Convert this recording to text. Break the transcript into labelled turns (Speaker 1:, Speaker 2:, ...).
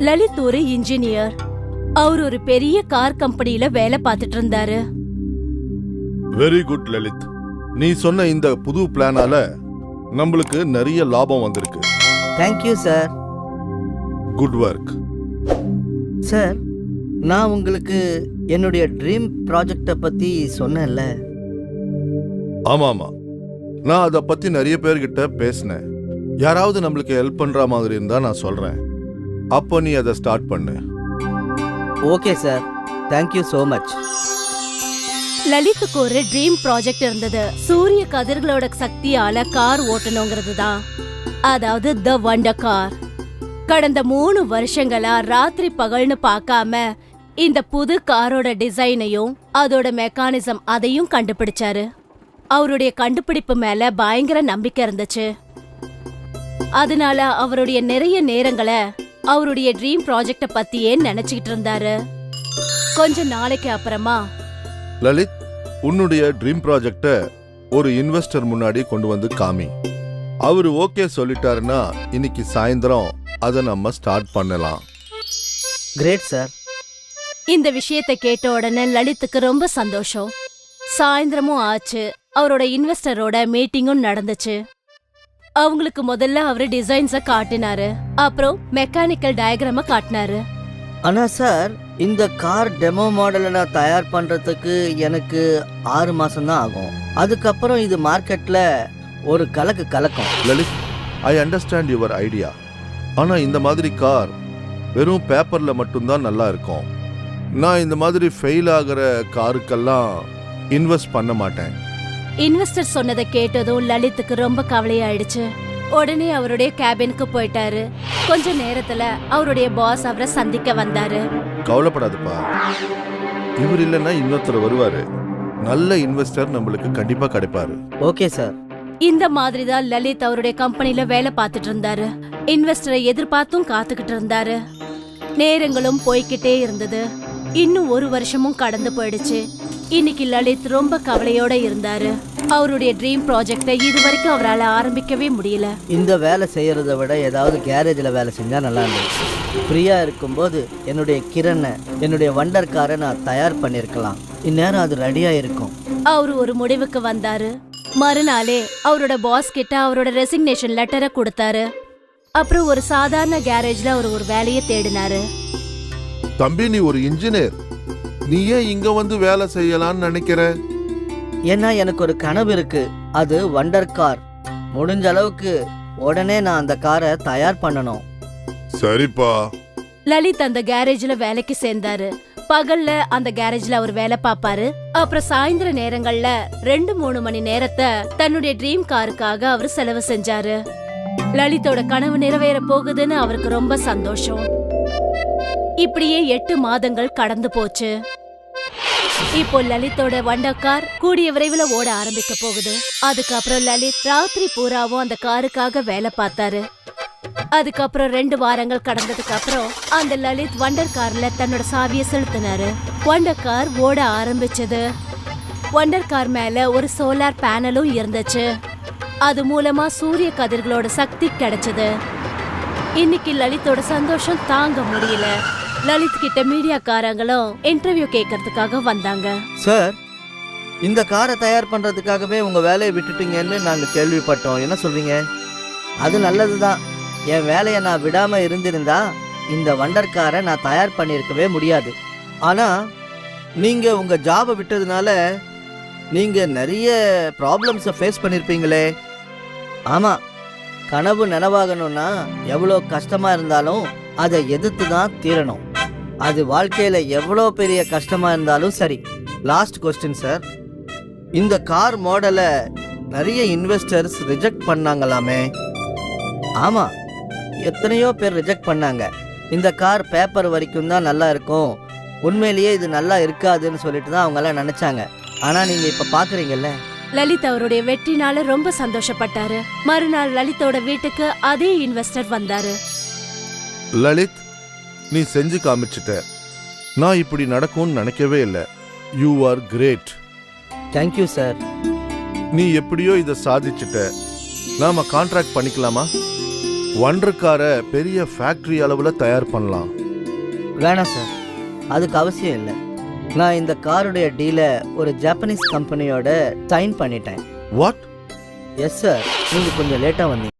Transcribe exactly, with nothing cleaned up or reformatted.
Speaker 1: லலித் ஒரு இன்ஜினியர். அவர் ஒரு பெரிய கார் கம்பெனில வேலை பார்த்துட்டு இருந்தாரு.
Speaker 2: வெரி குட் லலித், நீ சொன்ன இந்த புது பிளானால நம்மளுக்கு நிறைய லாபம் வந்திருக்கு.
Speaker 3: Thank you sir.
Speaker 2: Good work
Speaker 3: sir. நான் உங்களுக்கு என்னுடைய ட்ரீம் ப்ராஜெக்டை பற்றி சொன்னேன்ல.
Speaker 2: ஆமா ஆமா, நான் அதை பத்தி நிறைய பேர்கிட்ட பேசினேன். யாராவது நம்மளுக்கு ஹெல்ப் பண்ற மாதிரி இருந்தா நான் சொல்றேன். அப்போ நீ அதை ஸ்டார்ட் பண்ணு.
Speaker 3: Okay sir, thank you so much.
Speaker 1: லலித்துக்கு ஒரு ட்ரீம் ப்ராஜெக்ட் இருந்தது. சூரிய கதிர்களோட சக்தியால கார் ஓட்டணுங்கிறது தான், அதாவது த வண்டர் கார். கடந்த மூணு வருஷங்களா ராத்திரி பகல்னு பார்க்காம இந்த புது காரோட டிசைனையும் அதோட மெக்கானிசம் அதையும் கண்டுபிடிச்சாரு. அவருடைய கண்டுபிடிப்பு மேல பயங்கர நம்பிக்கை இருந்துச்சு. அதனால அவருடைய நிறைய நேரங்களை அவருடைய ட்ரீம் ப்ராஜெக்ட பத்தியே நினைச்சுக்கிட்டு இருந்தாரு. கொஞ்ச நாளைக்கு அப்புறமா,
Speaker 2: லலித், உன்னுடைய ட்ரீம் ப்ராஜெக்ட ஒரு இன்வெஸ்டர் முன்னாடி கொண்டு வந்து காமி. அவரு ஓகே சொல்லிட்டாருன்னா இன்னைக்கு சாயந்தரம் அதை நம்ம ஸ்டார்ட் பண்ணலாம்.
Speaker 3: Great sir.
Speaker 1: இந்த விஷயத்தை கேட்ட உடனே லலித்துக்கு ரொம்ப சந்தோஷம். சாயந்தரமும் ஆச்சு, அவரோட இன்வெஸ்டரோட மீட்டிங்கும் நடந்துச்சு. அவங்களுக்கு முதல்ல அவரு டிசைன்ஸ காட்டினாரு, அப்புறம் மெக்கானிக்கல் டயக்ராம காட்டினாரு.
Speaker 3: ஆனா சார், இந்த கார் டெமோ மாடலை நான் தயார் பண்றதுக்கு எனக்கு ஆறு மாசம் தான் ஆகும். அதுக்கப்புறம் இது மார்க்கெட்ல ஒரு கலக்கு கலக்கும்.
Speaker 2: Lalith, I understand your idea. ஆனா இந்த மாதிரி கார் வெறும் பேப்பர்ல மட்டும்தான் நல்லா இருக்கும். நான் இந்த மாதிரி ஃபெயில் ஆகிற காருக்கெல்லாம் இன்வெஸ்ட் பண்ண மாட்டேன்.
Speaker 1: இன்வெஸ்டர் சொன்னதை கேட்டதும் லலித்துக்கு ரொம்ப கவலையாயிடுச்சு. உடனே அவருடைய கேபினுக்கு போயிட்டாரு. கொஞ்ச நேரத்துல அவருடைய பாஸ் அவரை சந்திக்க வந்தாரு.
Speaker 2: கவலைப்படாதுப்பா, இவர் இல்லைன்னா இன்னொருத்தர் வருவாரு. நல்ல இன்வெஸ்டர் நம்மளுக்கு கண்டிப்பா கிடைப்பாரு.
Speaker 3: Okay sir.
Speaker 1: இந்த மாதிரி தான் லலித் அவருடைய கம்பெனில வேலை பார்த்துட்டு இருந்தாரு. இன்வெஸ்டரை எதிர்பார்த்தும் காத்துக்கிட்டு இருந்தாரு. நேரங்களும் போய்கிட்டே இருந்தது. இன்னும் ஒரு வருஷமும் கடந்து போயிடுச்சு. இன்னைக்கு லலித் ரொம்ப கவலையோட இருந்தாரு. அவருடைய ட்ரீம் ப்ராஜெக்டை இது வரைக்கும் அவரால் ஆரம்பிக்கவே முடியல.
Speaker 3: இந்த வேலை செய்யறதை விட ஏதாவது கேரேஜில் வேலை செஞ்சா நல்லா இருந்துச்சு. ஃப்ரீயா இருக்கும்போது என்னுடைய கிரணை, என்னுடைய வண்டர் காரை நான் தயார் பண்ணிருக்கலாம். இந்நேரம் அது ரெடியா இருக்கும்.
Speaker 1: அவரு ஒரு முடிவுக்கு வந்தாரு. மறுநாளே அவரோட பாஸ் கிட்ட அவரோட ரெசிக்னேஷன் லெட்டரை கொடுத்தாரு. அப்புறம் ஒரு சாதாரண கேரேஜ்ல அவர் ஒரு வேலையை தேடினாரு.
Speaker 2: தம்பி, நீ ஒரு இன்ஜினியர், நீ ஏன் இங்க வந்து வேலை செய்யலாம்னு நினைக்கிற?
Speaker 3: ஏன்னா எனக்கு ஒரு கனவு இருக்கு. அது வண்டர் கார். முடிஞ்ச அளவுக்கு உடனே நான் அந்த காரை தயார் பண்ணணும்.
Speaker 2: சரிப்பா.
Speaker 1: லலித் அந்த கேரேஜ்ல வேலைக்கு சேர்ந்தாரு. பகல்ல அந்த கேரேஜ்ல அவர் வேலை பார்ப்பாரு. அப்புறம் சாயந்தர நேரங்கள்ல ரெண்டு மூணு மணி நேரத்தை தன்னுடைய ட்ரீம் காருக்காக அவர் செலவு செஞ்சாரு. லலித்தோட கனவு நிறைவேற போகுதுன்னு அவருக்கு ரொம்ப சந்தோஷம். இப்படியே எட்டு மாதங்கள் கடந்து போச்சு. இப்போ லலித்தோட வண்டர் கார் கூடிய விரைவில் ஓட ஆரம்பிக்க போகுது. அதுக்கப்புறம் லலித் ராத்திரி பூராவும் அந்த காருக்காக வேலை பார்த்தாரு. அதுக்கப்புறம் ரெண்டு வாரங்கள் கடந்ததுக்கு அப்புறம் அந்த லலித் வண்டர் கார்ல தன்னோட சாவியை செலுத்தினாரு. வண்டர் கார் ஓட ஆரம்பிச்சது. வண்டர் கார் மேல ஒரு சோலார் பேனலும் இருந்துச்சு. அது மூலமா சூரிய கதிர்களோட சக்தி கிடைச்சது. இன்னைக்கு லலித்தோட சந்தோஷம் தாங்க முடியல. லலித் கிட்ட மீடியாக்காரங்களும் இன்டர்வியூ கேட்கறதுக்காக வந்தாங்க.
Speaker 3: சார், இந்த காரை தயார் பண்றதுக்காகவே உங்க வேலையை விட்டுட்டீங்கன்னு நாங்க கேள்விப்பட்டோம். என்ன சொல்றீங்க? அது நல்லதுதான். என் வேலையை நான் விடாம இருந்திருந்தா இந்த வண்டர் காரை நான் தயார் பண்ணியிருக்கவே முடியாது. ஆனா நீங்க உங்க ஜாபை விட்டதுனால நீங்க நிறைய ப்ராப்ளம்ஸை ஃபேஸ் பண்ணிருப்பீங்களே. ஆமா, கனவு நனவாகணும்னா எவ்வளோ கஷ்டமா இருந்தாலும் அதை எதிர்த்து தான் தீரணும். அது வாழ்க்கையில எவ்வளோ பெரிய கஷ்டமா இருந்தாலும் சரி. லாஸ்ட் கொஸ்டின் சார், இந்த கார் மாடலை நிறைய இன்வெஸ்டர்ஸ் ரிஜெக்ட் பண்ணாங்களாமே. ஆமா, எத்தனையோ பேர் ரிஜெக்ட் பண்ணாங்க. இந்த கார் பேப்பர் வரைக்கும் தான் நல்லா இருக்கும், உண்மையிலேயே இது நல்லா இருக்காதுன்னு சொல்லிட்டு தான் அவங்க எல்லாம் நினைச்சாங்க. ஆனா நீங்க இப்ப பாக்குறீங்கல்ல.
Speaker 1: லலித் அவருடைய வெற்றினால ரொம்ப சந்தோஷப்பட்டாரு. மறுநாள் லலித்தோட வீட்டுக்கு அதே இன்வெஸ்டர் வந்தாரு.
Speaker 2: லலித், நீ செஞ்சு காமிச்சிட்ட. நான் இப்படி நடக்கும்னு நினைக்கவே இல்லை. You are great.
Speaker 3: Thank you sir.
Speaker 2: நீ எப்படியோ இதை சாதிச்சிட்ட. நாம கான்ட்ராக்ட் பண்ணிக்கலாமா? வண்டர் காரை பெரிய ஃபேக்டரி அளவில் தயார் பண்ணலாம்.
Speaker 3: வேணாம் சார், அதுக்கு அவசியம் இல்லை. நான் இந்த காருடைய டீலை ஒரு ஜாப்பனீஸ் கம்பெனியோட சைன் பண்ணிட்டேன்.
Speaker 2: வாட்?
Speaker 3: எஸ் சார், நீங்கள் கொஞ்சம் லேட்டாக வந்தீங்க.